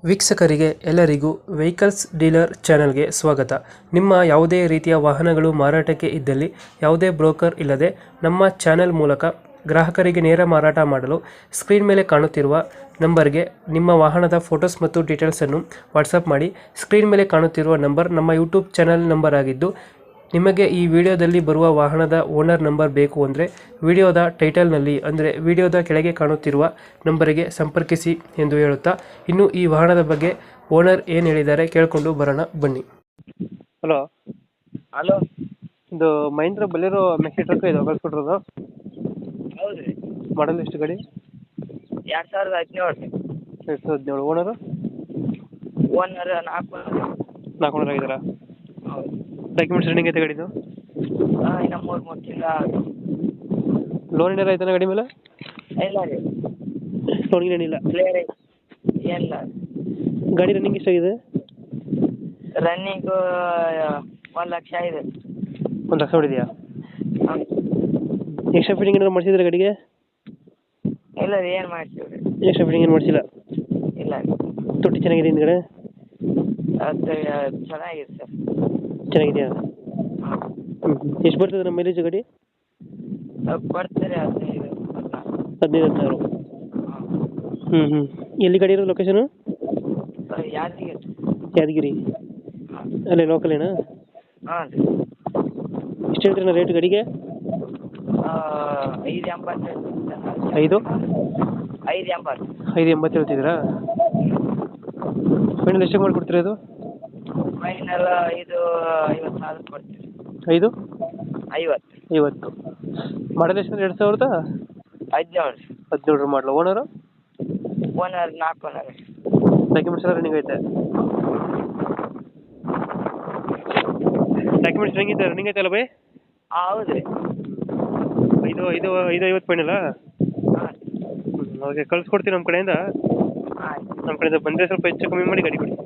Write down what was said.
ವೀಕ್ಷಕರಿಗೆ ಎಲ್ಲರಿಗೂ vehicles dealer ಚಾನೆಲ್ಗೆ ಸ್ವಾಗತ. ನಿಮ್ಮ ಯಾವುದೇ ರೀತಿಯ ವಾಹನಗಳು ಮಾರಾಟಕ್ಕೆ ಇದ್ದಲ್ಲಿ ಯಾವುದೇ ಬ್ರೋಕರ್ ಇಲ್ಲದೆ ನಮ್ಮ ಚಾನೆಲ್ ಮೂಲಕ ಗ್ರಾಹಕರಿಗೆ ನೇರ ಮಾರಾಟ ಮಾಡಲು ಸ್ಕ್ರೀನ್ ಮೇಲೆ ಕಾಣುತ್ತಿರುವ ನಂಬರ್ಗೆ ನಿಮ್ಮ ವಾಹನದ ಫೋಟೋಸ್ ಮತ್ತು ಡೀಟೇಲ್ಸನ್ನು ವಾಟ್ಸಪ್ ಮಾಡಿ. ಸ್ಕ್ರೀನ್ ಮೇಲೆ ಕಾಣುತ್ತಿರುವ ನಂಬರ್ ನಮ್ಮ ಯೂಟ್ಯೂಬ್ ಚಾನೆಲ್ ನಂಬರ್ ಆಗಿದ್ದು, ನಿಮಗೆ ಈ ವಿಡಿಯೋದಲ್ಲಿ ಬರುವ ವಾಹನದ ಓನರ್ ನಂಬರ್ ಬೇಕು ಅಂದರೆ ವಿಡಿಯೋದ ಟೈಟಲ್ನಲ್ಲಿ ಅಂದರೆ ವಿಡಿಯೋದ ಕೆಳಗೆ ಕಾಣುತ್ತಿರುವ ನಂಬರಿಗೆ ಸಂಪರ್ಕಿಸಿ ಎಂದು ಹೇಳುತ್ತಾ, ಇನ್ನು ಈ ವಾಹನದ ಬಗ್ಗೆ ಓನರ್ ಏನು ಹೇಳಿದ್ದಾರೆ ಕೇಳಿಕೊಂಡು ಬರೋಣ ಬನ್ನಿ. Hello hello. ಇದು ಮಹೇಂದ್ರ ಬಲೇರೋ ಮೆಕ್ಸಿ ಟ್ರಕ್ ಇದು ಕಳ್ಸ್ಕೊಟ್ರದು. ಹೌದು ರೀ. ಮಾಡಲ್ ಎಷ್ಟು ಗಾಡಿ? 2017. 2017. ಓನರು ಓನರ್ 4 ಓನರ್ ಆಗಿದ್ದಾರಾ? ಹೌದು. ಡಾಕ್ಯುಮೆಂಟ್ಸ್ ರನ್ನಿಂಗ್ ಐತೆ ಗಾಡಿದು? ಇನ್ನು 3 ತಿಂಗಳ. ಲೋನ್ ಏನಾರ ಆಯ್ತಾನ ಗಾಡಿ ಮೇಲೆ? ಇಲ್ಲ ರೀ, ಲೋನ್ ಏನಿಲ್ಲ. ಕ್ಲಿಯರ್ ಏನಿಲ್ಲ. ಗಾಡಿ ರನ್ನಿಂಗ್ ಎಷ್ಟಾಗಿದೆ? ರನ್ನಿಂಗು 1 ಲಕ್ಷ ಇದೆ. 1 ಲಕ್ಷ ಹೊಡಿದೆಯಾ? ಹೌದು. ಎಕ್ಸ್ಟ್ರಾ ಫಿಟ್ಟಿಂಗ್ ಏನಾದ್ರು ಮಾಡಿಸಿದ್ರೆ ಗಾಡಿಗೆ? ಇಲ್ಲ ರೀ, ಏನು ಮಾಡ್ತೀವಿ ರೀ? ಎಕ್ಸ್ಟ್ರಾ ಫಿಟ್ಟಿಂಗ್ ಏನು ಮಾಡಿಸಿಲ್ಲ? ಇಲ್ಲ ರೀ. ತೊಟ್ಟಿ ಚೆನ್ನಾಗಿದೆ ಹಿಂದ್ಗಡೆ? ಅದು ಚೆನ್ನಾಗಿದೆ ಸರ್. ಚೆನ್ನಾಗಿದೆಯಾ? ಹಾಂ. ಎಷ್ಟು ಬರ್ತದೆ ನಮ್ಮ ಮೈಲೇಜ್ ಗಾಡಿ? ಕೊಡ್ತೀರಿ 15, 15,000. ಹಾಂ. ಎಲ್ಲಿ ಗಾಡಿ ಇರೋದು ಲೊಕೇಶನು? ಯಾದಗಿರಿ. ಯಾದಗಿರಿ ಹಾಂ. ಅಲ್ಲೇ ಲೋಕಲೇನಾ? ಹಾಂ ರೀ. ಎಷ್ಟು ಹೇಳ್ತೀರಣ್ಣ ರೇಟ್ ಗಾಡಿಗೆ? 580. 5? 580. 580 ಹೇಳ್ತಿದ್ದೀರಾ? ಫೈನಲ್ ಎಷ್ಟಕ್ಕೆ ಮಾಡಿಕೊಡ್ತೀರಾ ಇದು? ಫೈನಲ್ 50,000 ಕೊಡ್ತೀವಿ. 5? 50. 50. ಮಾಡಲ್ ಎಷ್ಟು? 2017. 17. 17 ಮಾಡಲು. ಓನರು? Owner 4 owner. ಡಾಕ್ಯುಮೆಂಟ್ಸ್ ಎಲ್ಲ ರನ್ನಿಂಗ್ ಐತೆ? ಡಾಕ್ಯುಮೆಂಟ್ಸ್ ರನ್ನಿಂಗ್ ಐತಲ್ಲ ಬೈ? ಹೌದು ರೀ. 550 ಫೈನಲ್ಲಾ? ಹಾಂ. ಓಕೆ, ಕಳ್ಸ್ಕೊಡ್ತೀನಿ ನಮ್ಮ ಕಡೆಯಿಂದ. ಆಯ್ತು. ನಮ್ಮ ಕಡೆಯಿಂದ ಬಂದರೆ ಸ್ವಲ್ಪ ಹೆಚ್ಚು ಕಮ್ಮಿ ಮಾಡಿ ಗಾಡಿ ಕೊಡಿ.